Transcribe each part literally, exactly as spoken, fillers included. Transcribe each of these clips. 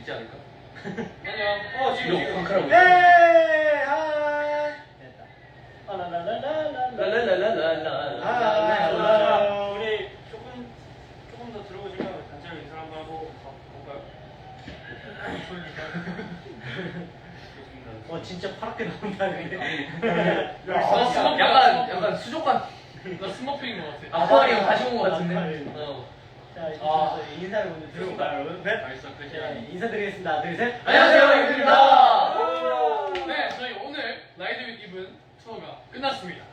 있지 않을까? 아니요. 어 지금 지금. 방크라고. 네. 하이. 됐다. 라라라라라라. 아, 우리 조금 조금 더 들어오시면 단체로 인사 한번 하고 볼까요? 어 진짜 파랗게 나온다 근데. 아, 스모- 약간 약간 수족관. 나 스머프인 것 같아. 아쿠아리움 다시 온 것 같은데. 아쿠아리움. 어. 자 이제 아. 인사를 먼저 드려볼까요 여러분? 네. 알겠어, 그렇게. 네, 인사드리겠습니다. 하나, 둘, 셋. 안녕하세요, 이브입니다. 네, 저희 오늘 라이드 윗 이븐 투어가 끝났습니다.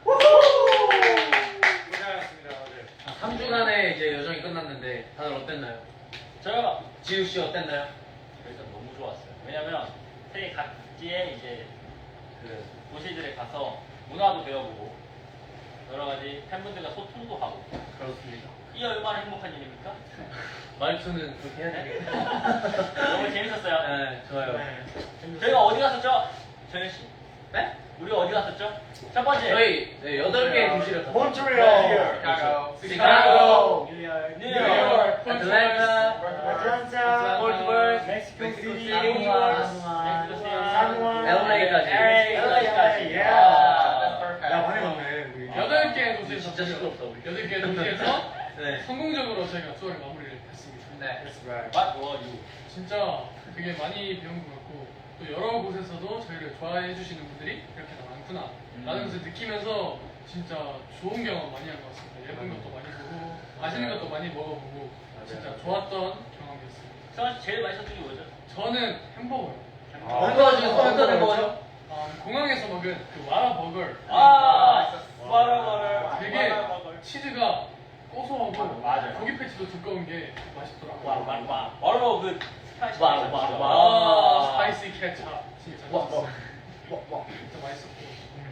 고생하셨습니다, 다들. 삼 주간의 이제 여정이 끝났는데 다들 어땠나요? 저요. 지우 씨 어땠나요? 일단 너무 좋았어요. 왜냐면 세계 각지의 이제 그 도시들에 가서 문화도 배워보고 여러 가지 팬분들과 소통도 하고. 그렇습니다. 이 얼마나 행복한 일입니까? 말투는 그렇게 해야 되겠다. 너무 재밌었어요. 네, 좋아요. 저희가 어디 갔었죠? 정현 씨. 네? 우리 어디 갔었죠? 첫 번째. 저희 네, 여덟 개의 도시를 갔어요. 몬트리올. 시카고, 시카고, 시카고, 뉴욕, 뉴욕, 애틀랜타, 아틀란타, 폴트버스, 멕시코 멕시코 시티, 시티, 사무안, 사무안, 엘에이까지. 엘에이까지. 예. 아, 야 많이 갔네 우리. 여덟 개의 도시에서 진짜 시끄럽다 우리. 여덟 개의 도시에서 네. 성공적으로 저희가 투어를 마무리를 했습니다. 네. What were you? 진짜 되게 많이 배운 것 같고 또 여러 곳에서도 저희를 좋아해 주시는 분들이 이렇게 많구나 라는 것을 느끼면서 진짜 좋은 경험 많이 한 것 같습니다. 예쁜 것도 많이 보고 맛있는 것도 많이 먹어보고 진짜 좋았던 경험이었습니다. 성환 씨 제일 맛있었던 게 뭐죠? 저는 햄버거요. 햄버거 중에 어떤 햄버거죠? 아, 공항에서 먹은 그 와라 버거. 아, 와라버를 되게 치즈가 고소하고 맞아요. 고기 패치도 두꺼운 게 맛있더라고요. 와와와 와라버 그 스파이시 와, 와, 와. 와, 스파이시 케찹 진짜 와, 맛있었어요. 와, 와. 진짜 맛있었고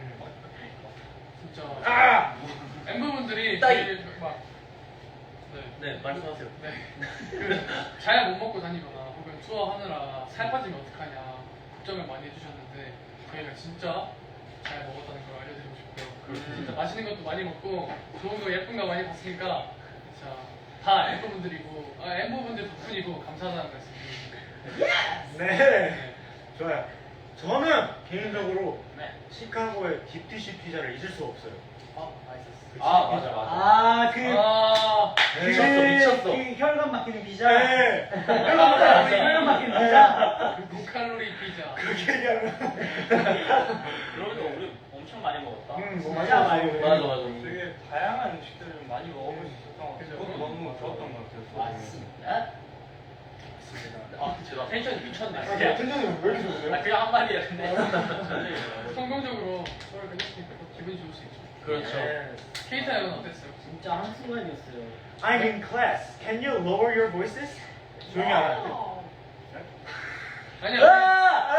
진짜 아! 멤버분들이 따이. 저희를 막 네. 네, 말씀하세요. 네. 그잘 못 먹고 다니거나 혹은 투어 하느라 살 빠지면 어떡하냐 걱정을 많이 해주셨는데 저희가 진짜 잘 먹었다는 걸 알려드리고 싶고요. 진짜 맛있는 것도 많이 먹고 좋은 거 예쁜 거 많이 봤으니까 진짜 다 엠버분들이고 아, 엠버분들 덕분이고 감사하다는 말씀 드립니다. 네. 좋아요. 저는 개인적으로 네. 시카고의 딥디시 피자를 잊을 수 없어요. 어, 맛있었어. 아 맞아 맞아 아, 그, 아, 그, 미쳤어, 미쳤어. 그 혈관 막히는 피자. 네. 혈관 막히는 혈관 막히는 피자. 그 고칼로리 피자. 그렇게 얘기하면. 그러면 우리 엄청 많이 먹었다. 음, 뭐 진짜 맛있었어요. 많이 맞아, 맞아. 되게 다양한 음식들을 많이 먹어볼 수 있었던 것 같아요. 그것도 너무 좋았던 것 같아요. 맞습니다. 아, 제가 텐션이 미쳤네. 아, 야, 텐션이 왜 이렇게 좋으세요? 아 그냥 한 마디야 근데. 성공적으로 투어를 끝냈으니까 또 기분이 좋을 수 있죠. 그렇죠. 네. 케이타 형은 어땠어요? 진짜 한순간이었어요. I'm in class. Can you lower your voices? 조용히 하라. 아니야. 아!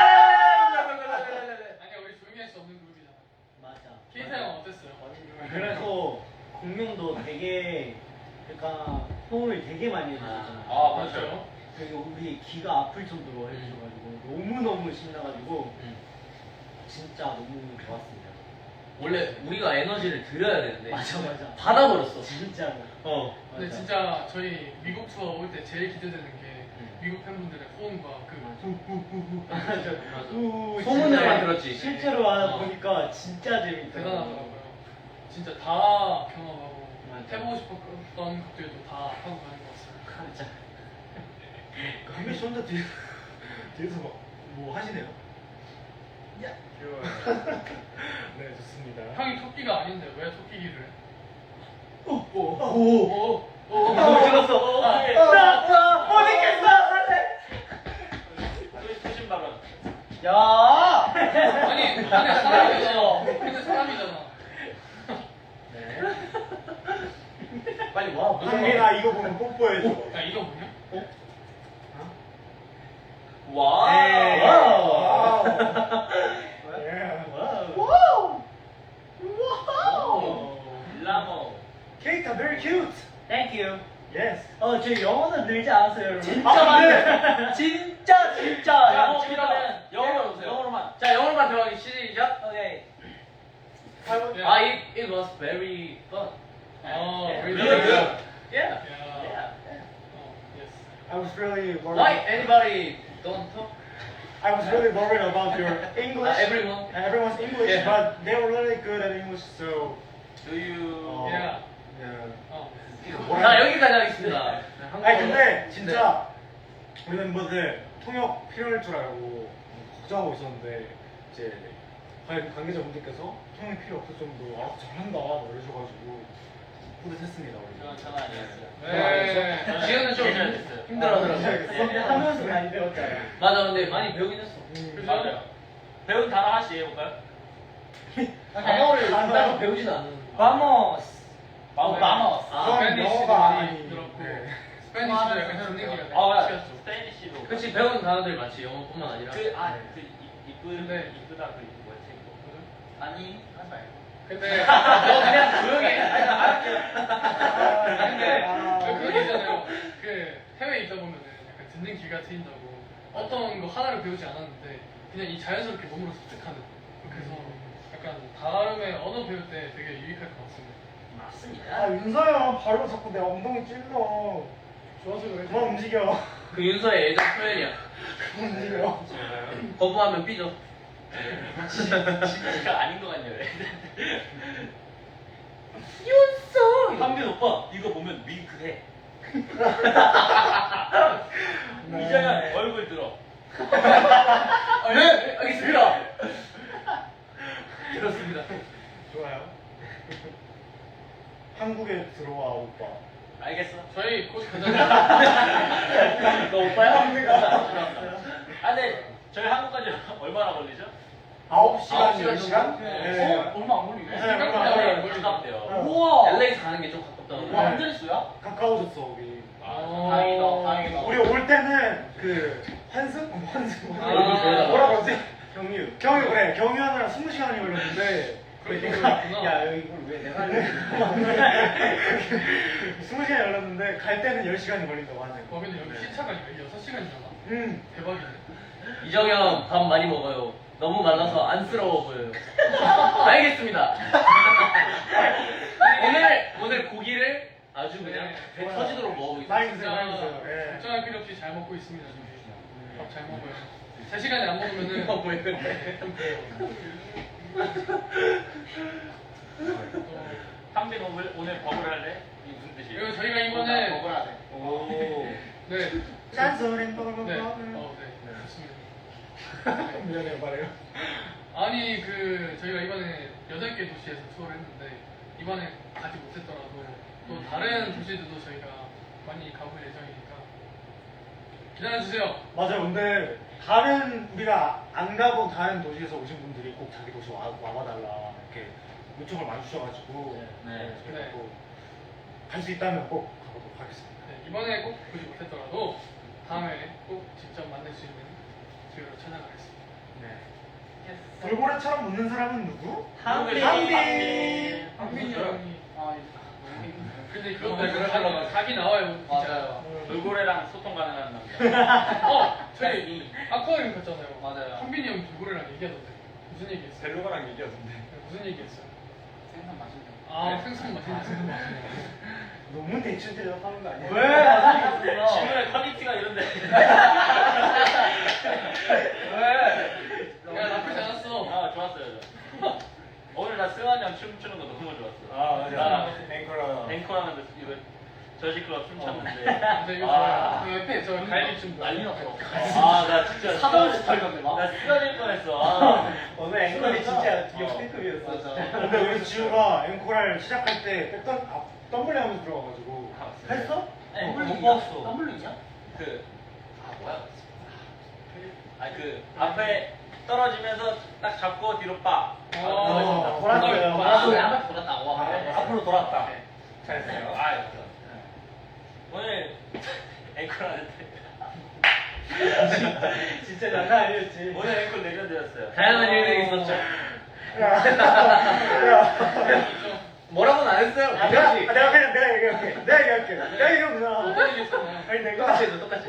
아니야 우리 조용히 할 수 없는 그룹이잖아. 맞아. 케이타 형은 어땠어요? 그래서 공명도 되게, 그러니까 호응을 되게 많이 해주셨잖아요. 아 맞아요. 되게 우리 귀가 아플 정도로 해주셔가지고 너무너무 신나가지고 음. 진짜 너무 좋았습니다. 원래 우리가 에너지를 드려야 되는데 맞아, 맞아. 받아버렸어. 진짜로. 어. 근데 맞아. 진짜 저희 미국 투어 올 때 제일 기대되는 게 음. 미국 팬분들의 호응과 그 후후후후 맞아. 우, 소문들만 진짜 들었지. 실제로 와 어. 보니까 진짜 재밌더라고요. 대단하더라고요. 진짜 다 경험하고 맞아. 해보고 싶었던 것들도 다 하고 가는 것 같습니다. 맞아. 강민 씨 혼자 뒤, 뒤에서 막, 뭐 하시네요? 야. 귀여워요. 네, 좋습니다. 형이 토끼가 아닌데 왜 토끼기를 해? 오. 오, 오, 오, 어, 찍었어. 아, 네. 나, 나, 못 있겠어, 안돼. 소신 발언. 야. 아니, 근데 사람이잖아. 근데 사람이잖아. 네. 빨리 와. 강민아 이거 보면 뽀뽀해줘. 야, 이거 뭐냐? 와. 에이. 와우. 예. 와우. 오. 라모. 케이타 very cute. Thank you. Yes. 어, 저 영어는 늘지 않았어요, 여러분. 진짜 아, 많네. 진짜 진짜. 야, 야, 필요하면 영어로 오세요. 영어로만. 자, 영어로만 들어가기 시작. 오케이. 야. 아, it, it was very fun. 어, Yeah. really Really good. good. Yeah. 야. Yeah. 어, yes. I was really worried. Why anybody don't talk? I was really worried about your English. Uh, everyone. Everyone's English, Yeah. but they were really good at English, so. Do you 어, Yeah. yeah. 어. 자 여기까지 하겠습니다. 아니 근데 진짜 우리 멤버들 통역 필요할 줄 알고 걱정하고 있었는데 이제 관- 관계자분들께서 통역 필요 없을 정도로 아 잘한다 이러셔가지고 뿌듯했습니다 우리. 저는 저는 아니었어요. 네. 지현은 좀 제대로 됐어요. 힘들어하더라고요. 하면서 많이 배웠잖아. 맞아 근데 많이 배우긴 했어. 음, 맞아요. 배운 단어 하나씩 해볼까요? 단어를 단어. 따로 배우진 않는. Vamos. 마우 마모스. 아, 그건 스페니쉬도 영어가 많이 아니- 들었고 네. 스페니쉬도 약간 현 분위기가 아 맞아. 되게 스페니쉬도. 그렇지 배운 단어들 많지 영어뿐만 아니라. 그아그 이쁜 네. 이쁘다 그 뭐였지 이거. 아니 하지 말고. 근데 너 그냥 조용해. 아, 근데 아. 그 그거 있잖아요. 그 해외에 있다 보면은 약간 듣는 귀가 트인다고 어떤 거 하나를 배우지 않았는데 그냥 이 자연스럽게 몸으로 습득하는. 그래서 약간 다음에 언어 배울 때 되게 유익할 것 같습니다. 맞습니다. 아 윤서야 발로 자꾸 내 엉덩이 찔러. 좋아서 그래. 그만 움직여. 그 윤서의 예전 표현이야. 그만 움직여. 거부하면 삐져. 진짜 아닌 것 같네요. 윤서. 한빈 오빠 이거 보면 윙크해. 네. 이장현 얼굴 들어. 아, 네, 알겠습니다. 그렇습니다. 좋아요. 한국에 들어와 오빠. 알겠어. 저희 곧 가잖아요. 너 오빠야? 아 근데 저희 한국까지 얼마나 걸리죠? 아홉 시간, 아홉 시간 열 시간? 정도? 네. 어? 얼마 안 걸리네. 네, 얼마 안 걸려요. 걸리네. 가깝대요. 어. 우와. 엘에이 가는 게 좀 가깝다고. 와, 완전 수야? 가까워졌어 우리. 어. 다행이다, 다행이다. 우리 올 때는 그 환승? 어, 환승. 아, 그러다가. 뭐라 그러지? 경유. 경유 그래. 경유 하느라 스무 시간이 걸렸는데 그렇게 내가 걸렸구나. 야 이걸 왜 내가 하려고? 스무 시간이 걸렸는데 갈 때는 열 시간이 걸린다고 하네요. 어 근데 여기 시차가 여섯 시간이잖아. 음. 대박이네. 이정현 밥 많이 먹어요. 너무 말라서 안쓰러워 보여요. 알겠습니다. 오늘 오늘 고기를 아주 그냥 배 네. 터지도록 먹어보겠습니다. 많이 드세요, 많이 드세요. 예. 걱정할 필요 없이 잘 먹고 있습니다. 저희. 밥 잘 먹어요. 세 시간에 안 먹으면은 어, 왜 그래? 좀 그래요. 또 한빈 오늘 오늘 버블 할래? 이게 무슨 뜻이에요? 그리고 저희가 이번에 버블 하래. 오. 네. 짠소린 버블 네. 버블. 어, 네. 좋습니다. 미안해요, 말해요. 아니 그 저희가 이번에 여덟 개 도시에서 투어를 했는데 이번에 가지 못했더라도 또 다른 도시들도 저희가 많이 가볼 예정이니까 기다려주세요. 맞아요. 근데 다른 우리가 안 가본 다른 도시에서 오신 분들이 꼭 자기 도시 와, 와봐달라 이렇게 요청을 많이 주셔가지고 네. 저희가 또갈 수 있다면 꼭 가보도록 하겠습니다. 네, 이번에 꼭 보지 못했더라도 다음에 꼭 직접 만날 수 있는 기회로 찾아가겠습니다. 네. 돌고래처럼 웃는 사람은 누구? 한빈. 한빈. 한빈이랑 아, 근데 그것도 네, 그렇게 각이, 하려고 각이 나와요. 진짜. 맞아요. 돌고래랑 소통 가능한 남자. 어 저희 아쿠아리움 갔잖아요. 맞아요. 한빈이 형 돌고래랑 얘기하던데 무슨 얘기했어요? 벨로가랑 얘기하던데. 네, 무슨 얘기했어요? 생선 맛있네. 아 생선 맛있는 너무 대충 대답하는 거 아니야? 왜? 질문의 퀄리티가 이런데. 왜? 야 나쁘지 않았어. 아 좋았어요. 저. 오늘 나 승환이 형 춤추는 거 너무 좋았어. 아 나 맞아. 앵커랑. 앵커하는데 이거 저지클럽 춤췄는데. 근데 이거 아. 좋아요. 그 옆에 저 갈비 좀 난리 났어. 아, 나 진짜 사돈 스타일 같네, 막. 나 쓰러질 뻔했어. 아. 오늘 앵콜이 진짜 어. 역대급이었어. 맞아. 근데 우리 지우가 앵콜을 시작할 때 백던 아, 덤블링 하면서 들어가가지고 아, 했어? 네. 못 봤어. 덤블링이야? 그, 아, 뭐야? 아, 그, 앞에 떨어지면서 딱 잡고 뒤로 빠. 어. 어, 돌았어요. 아, 돌았어요. 한번 돌았다고. 아, 네. 앞으로 돌았다. 네. 잘했어요. 아, 네. 오늘 앵콜 하는데. 진짜 장난 아니었지. 오늘 앵콜 내려드렸어요. 다양한 일들이 있었죠. 야, 야. 뭐라고는 안 했어요. 아, 내가, 아, 내가 그냥 내가 얘기할게. 내가 얘기할게. 내가 얘기하면 어떤 얘기했잖아. 아니 내가 똑같이 해줘, 똑같이.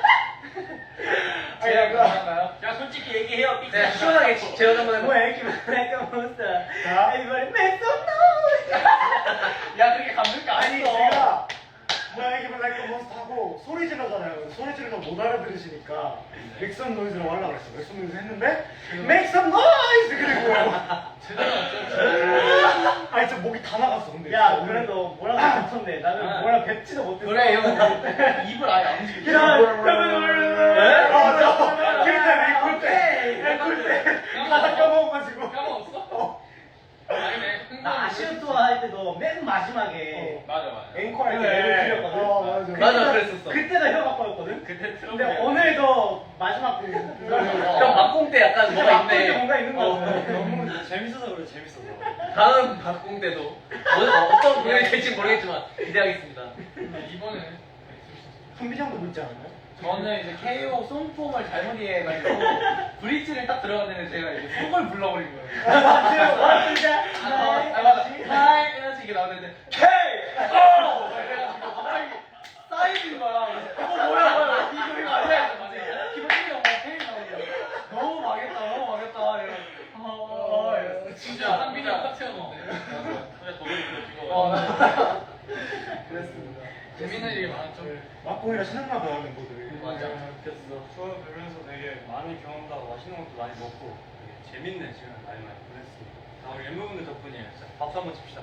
아니 내가 야, 솔직히 얘기해요. 삐끗. 네, 시원하게 재현 한번 뭐 해봐. 애기 뭐랄까 못사. 자. Everybody make some noise. 야, 그렇게 감동이 아니 제가 뭐야 이게 러브 라이크 몬스터 하고 소리 지르잖아요. 소리 지르서 못 알아들으시니까 make some noise라고 하려고 그랬어. make some noise 했는데 make some noise 그리고 제대로 왔죠? 아니 진짜 목이 다 나갔어. 근데 야 진짜 오늘. 그래도 뭐라고 뱉었네. 나는 아. 뭐라 뱉지도 못했어. 그래 형 입을 아예 안 움직여. 야, 네? 어, 저 그때 꿀때 꿀때 가사 까먹어가지고. 까먹었어? 아니네. 나 아시안 투어 할 때도 맨 마지막에 맞아 맞아. 앵콜 할때 그래. 랩을 틀렸거든. 어, 맞아. 맞아 그랬었어. 그때가 혀가 꺼였거든. 그때 트럼프. 근데 오늘도 마지막 그 형 막공 때 약간 진짜 뭐가 막볼 때 있네. 뭔가 있는 거 어. 같아. 너무 재밌어서 그래 재밌어서. 다음 박공 때도 뭐, 어떤 공연이 될지 모르겠지만 기대하겠습니다. 이번에 성빈이 형도 묻지 않았나요? 저는 이제 케이오 송폼을 잘못 이해해가지고 브릿지를 딱 들어갔는데 제가 이제 속을 불러버린 거예요. 아, 진짜. 아, 아, 맞아. 하이 이러면서 이게 나오는데 케이! 오! 이래가지고 갑자기 쌓이는 거야. 어 뭐야 뭐야 이거 이거 아니야. 기본적으로 막 케이 나오는 거야. 너무 망했다 너무 망했다 이러면서 어, 어, 이랬어. 진짜 한빈이 형 파트였는데. 근데 도둑이 그거 어, 찍어. 그랬습니다. 재밌는 얘기 많았죠? 막공이라 신났나 봐요 멤버들이. 맞아. 그랬어. 수업 배우면서 되게 많은 경험도 하고 맛있는 것도 많이 먹고 되게 재밌는 시간을 많이 많이 보냈습니다. 다 우리 멤버분들 덕분이에요. 진짜 박수 한번 칩시다.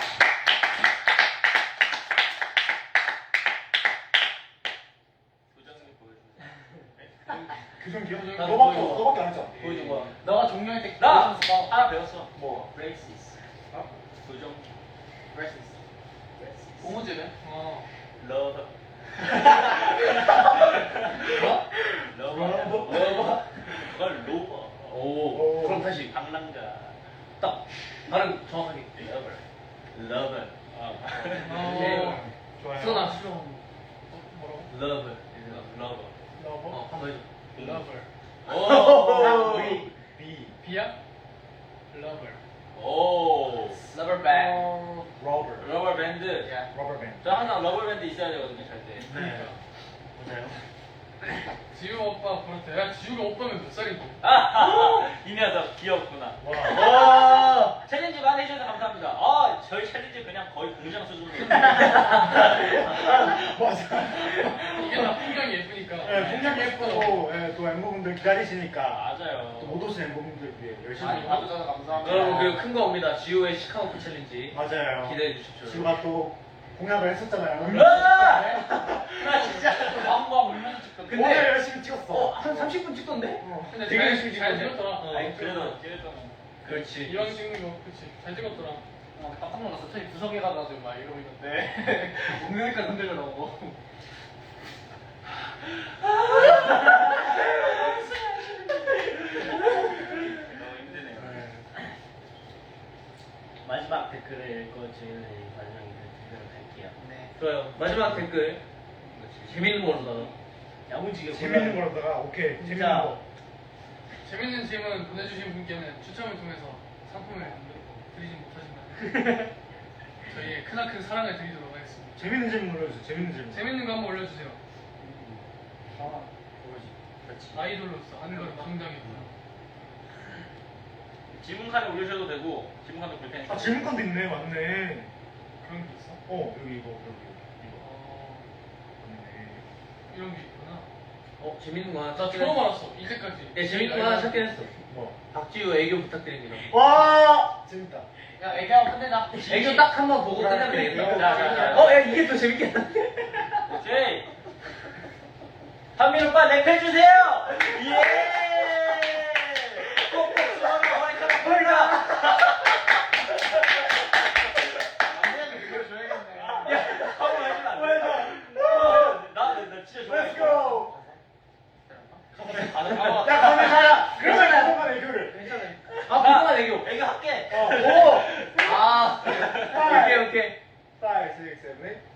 도전을 보여주세요. 그전 기억? 나도 너밖에 보여줘. 너밖에 안 했잖아. 보여준 거야. 너가 종료할 때 나 보여줬어. 하나 배웠어. 뭐? 브레이시스. 어? 도전. 브레시스. 고무줄에? 어. 러버. 뭐? 러버. 러버? 그걸 로버. 오. 오. 그럼 다시 방랑자. 딱 발음 정확하게. 러버. 러버. 어. 좋아요. 수원아 수원. 어, 뭐라고? 러브. 러버. 러버? 어, 한번 해줘. 러버. 오. B B 비야? 러버. 오. 러버 밴드. 러버 러버 밴드. 러버 밴드. 저 항상 러버 밴드 있어야 되거든요, 잘 때. 그러니까. 맞아요. 지우 오빠 그렇대. 야 지우가 오빠면 몇 살인데? 아, 이 녀석 귀엽구나. 와. 와, 챌린지 많이 해주셔서 감사합니다. 아, 저희 챌린지 그냥 거의 공장 수준으로. 맞아. 이게 다 풍경이 예쁘니까. 네, 풍경 예쁘고 예, 또 멤버분들 기다리시니까 맞아요. 또 못 오신 멤버분들 위해 열심히 많이 봐주셔서 감사합니다. 여러분 그 큰 거 옵니다. 지우의 시카고프 챌린지 맞아요. 기대해 주십시오. 지우가 또 공약을 했었잖아요. 아! 나 진짜 왕왕 울면서 찍던데. 오늘 열심히 찍었어. 어, 한 삼십 분 찍던데? 어. 근데 되게 잘, 열심히 잘 찍었네. 찍었더라. 어. 아니, 그래도, 그래도. 그렇지. 이왕 찍는 거, 그치. 잘 찍었더라. 어, 깜짝 놀랐어. 저희 구석에 가가지고 막 이러고 있는데 웅덩이까지 흔들려 나오고. 너무 힘드네요. 네. 마지막 댓글을 읽고 저희는 마지막 댓글을 갈게요. 네. 좋아요. 마지막 댓글 재밌는 걸로다가. 야무지게 재밌는 골라- 거로다가 오케이 재밌는 진짜. 거. 재밌는 질문 보내주신 분께는 추첨을 통해서 상품을 드리진 못하지만 저희의 크나큰 사랑을 드리도록 하겠습니다. 재밌는 질문 올려주세요. 재밌는 질문. 재밌는 거 한번 올려주세요. 아, 그거지. 그렇지. 아이돌로서 하는 걸 당당했구나. 지문칸에 올리셔도 되고, 지문칸도 볼 테니까. 아 질문칸도 있네. 맞네. 그런 게 있어? 어 여기 이거 여기 이거. 어, 맞네. 이런 게 있구나. 어 재밌는 거 하나 나 찾긴 처음 했어. 알았어, 이제까지. 예 재밌는 거 하나 찾긴 했어. 뭐? 박지우 애교 부탁드립니다. 와 재밌다. 야 애교 한번 끝내자. 애교 딱 한 번 보고 끝내면 되겠다. 자, 자, 자. 어 야 이게 더 재밌겠다. 오케이. 한민 오빠 랩 해주세요! 예! 꼭꼭 수원아 머리카락 보이라! 야, 한번 해주면 안 돼? 나, 나, 나 진짜 좋아해. Let's go. 가능, 야 가면 가라. 그러면 그동안 애교를. 아 그동안 애교. 애교 할게. 어. 오. 아 오케이 오케이. five, six, seven, eight.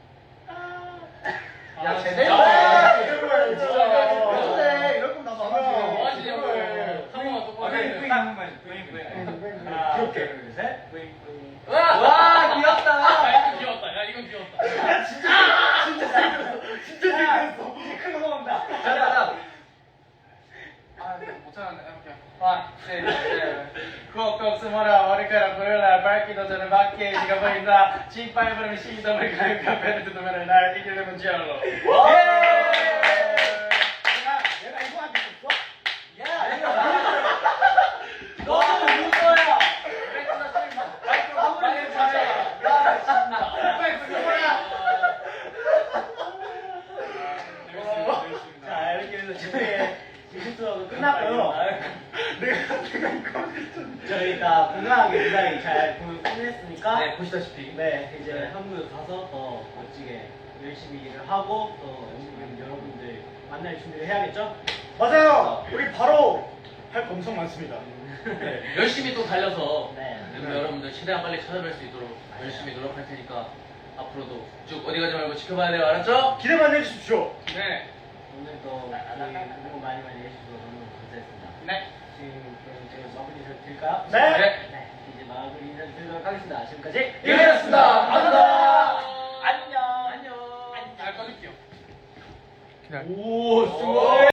야 아, 제대로 진짜. 해. 제대로 해, 진짜. 그래 이럴 거면 나도 안 하지. 뭐 하시냐고. 한 번만 똑바로 해. 하나, 그렇게. 둘, 셋. 와, 와 귀엽다. 야, 이건 귀엽다. 야, 이건 귀엽다. 진짜 재밌었어. 이제 큰 거 온다. 자자자. 아, 못 찾았네. 해볼게. 와, 네, 네. 꼭꼭 숨어라 머리카락 보여라 빨리. 받기도 전에 받게 네가 보인다 짓밟으면 시점을 가요 카페를 뜯으면 날 이기려면 지어로 내가 내가 이거 하고 있었어? 야, 이거 너도 누구야? 빨리 잘해 야 진짜 빨리 그거야 자 이렇게 해서 저희의 미술수업은 끝났고요. 내가 내가 이거 저희가 건강하게 무사히 잘 공연 끝냈으니까 네, 보시다시피. 네 이제 한국에 가서 더 멋지게 열심히 일을 하고 또 연습생 여러분들 만날 준비를 해야겠죠? 맞아요. 우리 바로 할 거 엄청 많습니다. 네, 열심히 또 달려서 네. 멤버 여러분들 최대한 빨리 찾아뵐 수 있도록 열심히 노력할 테니까 앞으로도 쭉 어디 가지 말고 지켜봐야 돼요. 알았죠? 기대 많이 해주십시오. 네. 오늘도 저희 응원 많이 많이 해주셔서 너무 감사했습니다. 네 지금 그럼 제가 마무리 인사 드릴까요? 네. 네. 이제 마무리 인사 드리도록 하겠습니다. 지금까지 이거였습니다 감사합니다 안녕. 안녕. 잘 꺼줄게요. 오 수고